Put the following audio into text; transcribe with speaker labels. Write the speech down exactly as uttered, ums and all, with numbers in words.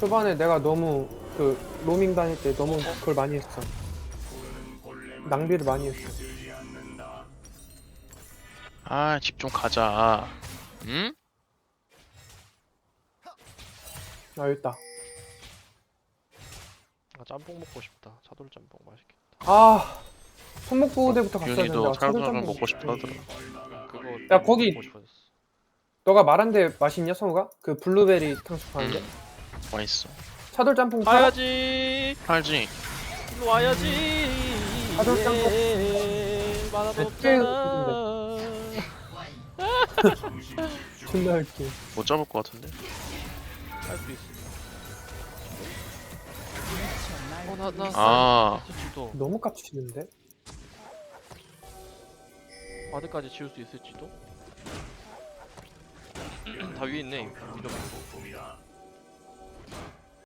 Speaker 1: 초반에 내가 너무 그 로밍 다닐 때 너무 그걸 많이 했어. 낭비를 많이 했어.
Speaker 2: 아, 집 좀 가자. 응?
Speaker 1: 아 있다.
Speaker 3: 아 짬뽕 먹고 싶다. 차돌 짬뽕 맛있겠다.
Speaker 1: 아 손목부대부터 갔어야 되는데
Speaker 2: 기훈이도
Speaker 1: 아, 차돌
Speaker 2: 찰보살
Speaker 1: 짬뽕
Speaker 2: 먹고 싶다 하더라.
Speaker 3: 그거
Speaker 1: 야,
Speaker 3: 너무
Speaker 1: 거기-
Speaker 3: 먹고 싶어졌어.
Speaker 1: 너가 말한데 맛있냐 성우가? 그 블루베리 탕수육 파는데?
Speaker 2: 응. 맛있어.
Speaker 1: 차돌 짬뽕 팔아?
Speaker 3: 가야지.
Speaker 2: 알지?
Speaker 3: 일로 와야지.
Speaker 1: 차돌 짬뽕.
Speaker 3: 예, 만화도
Speaker 1: 몇
Speaker 3: 없잖아.
Speaker 1: 존나 웃기.
Speaker 2: 못 잡을 것 같은데?
Speaker 3: 할수 있어. 어나나
Speaker 2: 아.
Speaker 3: 있을지도.
Speaker 1: 너무 깝치는데?
Speaker 3: 바드까지 지울 수 있을지도. 다 위에 있네. 이러면.